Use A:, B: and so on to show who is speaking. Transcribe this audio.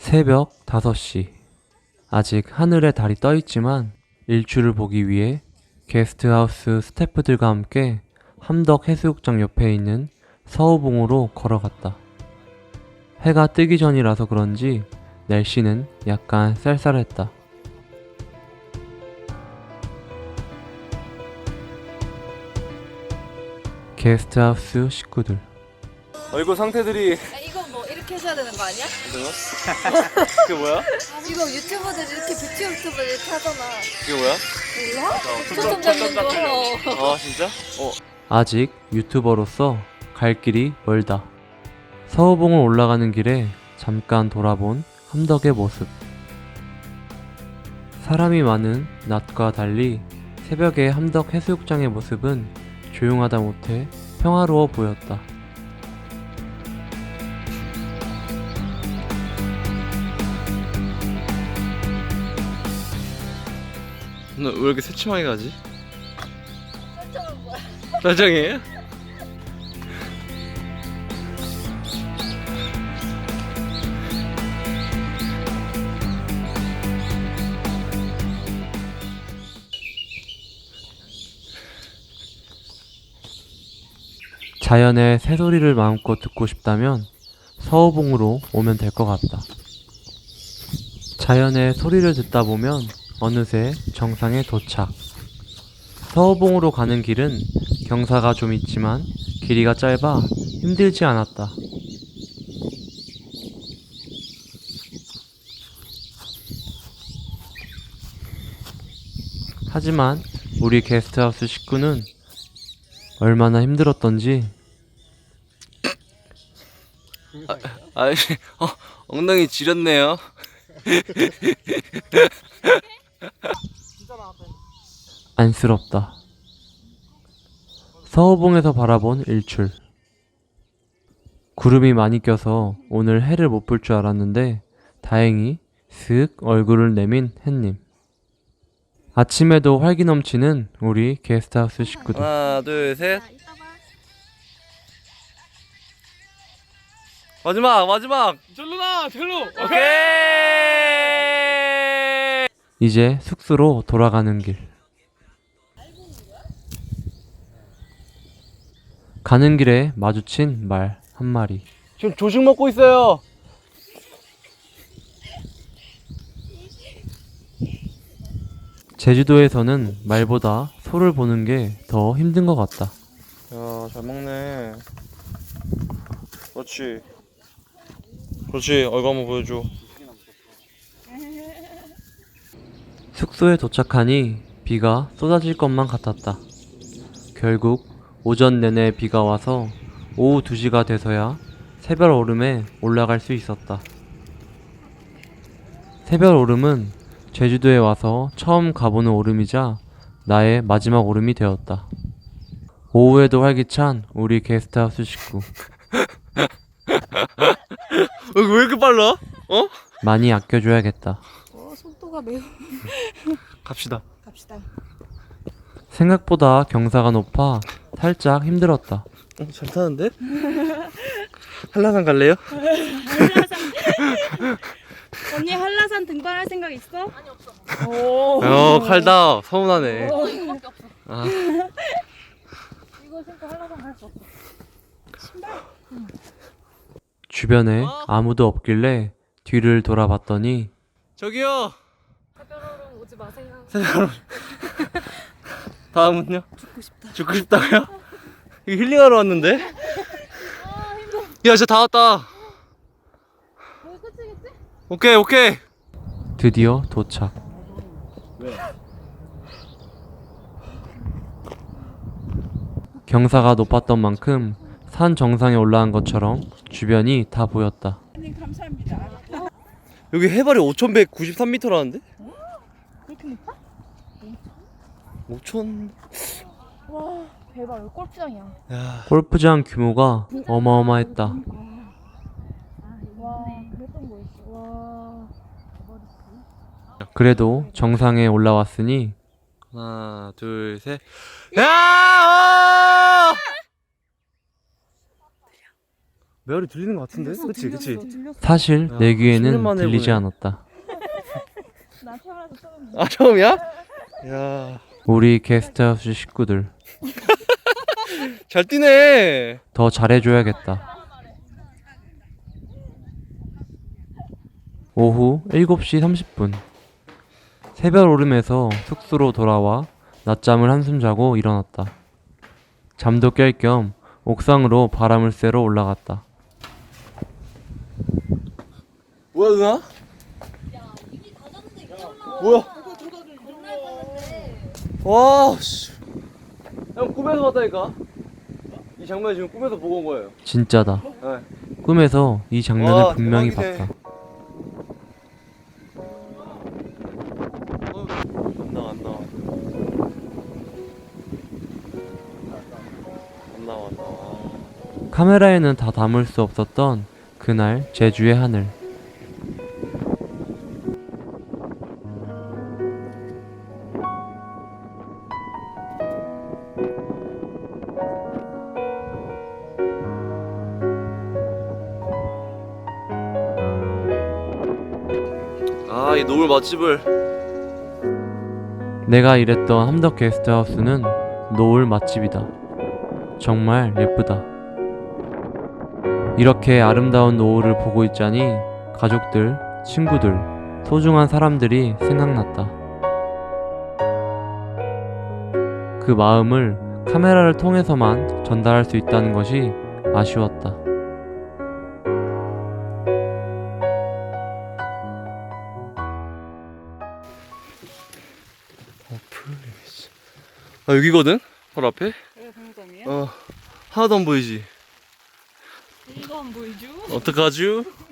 A: 새벽 5시. 아직 하늘에 달이 떠 있지만 일출을 보기 위해 게스트하우스 스태프들과 함께 함덕 해수욕장 옆에 있는 서우봉으로 걸어갔다. 해가 뜨기 전이라서 그런지 날씨는 약간 쌀쌀했다. 게스트하우스 식구들.
B: 얼굴 상태들이
C: 이거 뭐 이렇게 해줘야 되는 거 아니야?
B: 그게 뭐야?
C: 이거 유튜버들 이렇게 뷰티 유튜버들 이렇게 하잖아.
B: 그게 뭐야?
C: 몰라? 초점 잡는 거.
B: 아 진짜?
A: 아직 유튜버로서 갈 길이 멀다. 서우봉을 올라가는 길에 잠깐 돌아본 함덕의 모습. 사람이 많은 낮과 달리 새벽의 함덕 해수욕장의 모습은 조용하다 못해 평화로워 보였다.
B: 너 왜 이렇게 새침하게 가지?
C: 설정은 뭐야?
B: 설정이에요?
A: 자연의 새소리를 마음껏 듣고 싶다면 서우봉으로 오면 될 것 같다. 자연의 소리를 듣다 보면 어느새 정상에 도착. 서우봉으로 가는 길은 경사가 좀 있지만 길이가 짧아 힘들지 않았다. 하지만 우리 게스트하우스 식구는 얼마나 힘들었던지.
B: 아, 엉덩이 지렸네요.
A: 안쓰럽다. 서우봉에서 바라본 일출. 구름이 많이 껴서 오늘 해를 못 볼 줄 알았는데 다행히 슥 얼굴을 내민 햇님. 아침에도 활기 넘치는 우리 게스트하우스 식구들.
B: 하나 둘 셋. 마지막. 절로. 오케이.
A: 이제 숙소로 돌아가는 길. 가는 길에 마주친 말 한 마리.
B: 지금 조식 먹고 있어요.
A: 제주도에서는 말보다 소를 보는 게 더 힘든 것 같다.
B: 야, 잘 먹네. 그렇지. 얼굴 한번 보여줘.
A: 숙소에 도착하니 비가 쏟아질 것만 같았다. 결국 오전 내내 비가 와서 오후 2시가 돼서야 새별 오름에 올라갈 수 있었다. 새별 오름은 제주도에 와서 처음 가보는 오름이자 나의 마지막 오름이 되었다. 오후에도 활기찬 우리 게스트하우스 식구.
B: 왜 이렇게 빨라?
A: 많이 아껴줘야겠다.
C: 속도가 매우.
B: 갑시다.
C: 갑시다.
A: 생각보다 경사가 높아 살짝 힘들었다.
B: 잘 타는데? 한라산 갈래요?
D: 언니 한라산 등반할 생각 있어? 아니 없어.
B: 칼다. 서운하네.
C: 이거밖에 없어.
B: 아.
C: 이거 신고 한라산 갈 수 없어.
A: 주변에 아무도 없길래 뒤를 돌아봤더니
B: 저기요.
C: 새별오름 오지 마세요.
B: 다음은요? 죽고 싶다고요? 이거 힐링하러 왔는데? 야, 진짜 다 왔다.
C: 여기 끝이겠지?
B: 오케이.
A: 드디어 도착. 경사가 높았던 만큼 산 정상에 올라간 것처럼 주변이 다 보였다.
D: 감사합니다.
B: 여기 해발이 5,193m라는데?
D: 그렇게 높아?
B: 5,000.
D: 와 대박 여기 골프장이야.
B: 야,
A: 골프장 규모가 어마어마했다.
D: 와 그랬던 거였어. 와
A: 그래도 정상에 올라왔으니
B: 하나, 둘, 셋. 야! 메아리 들리는 것 같은데? 그치 그치.
A: 사실
B: 야,
A: 내
B: 10년
A: 귀에는
B: 만에
A: 들리지
B: 보네.
A: 않았다.
C: 나 태어나서 처음.
B: 아 처음이야? 야,
A: 우리 게스트하우스 식구들
B: 잘 뛰네.
A: 더 잘해줘야겠다. 오후 7시 30분. 새벽 오름에서 숙소로 돌아와 낮잠을 한숨 자고 일어났다. 잠도 깰 겸 옥상으로 바람을 쐬러 올라갔다.
B: 뭐야 누나? 뭐야? 와, 씨. 형 꿈에서 봤다니까? 이 장면 지금 꿈에서 보고 온 거예요.
A: 진짜다.
B: 네.
A: 꿈에서 이 장면을
B: 와,
A: 분명히
B: 대박이네.
A: 봤다.
B: 안 나와. 안 나와.
A: 카메라에는 다 담을 수 없었던 그날 제주의 하늘.
B: 아, 이 노을 맛집을.
A: 내가 일했던 함덕 게스트하우스는 노을 맛집이다. 정말 예쁘다. 이렇게 아름다운 노을을 보고 있자니 가족들, 친구들, 소중한 사람들이 생각났다. 그 마음을 카메라를 통해서만 전달할 수 있다는 것이 아쉬웠다.
B: 아, 여기거든? 바로 앞에?
C: 여기 동점이야?
B: 하나도 안 보이지?
C: 이거 안 보이죠?
B: 어떡하죠?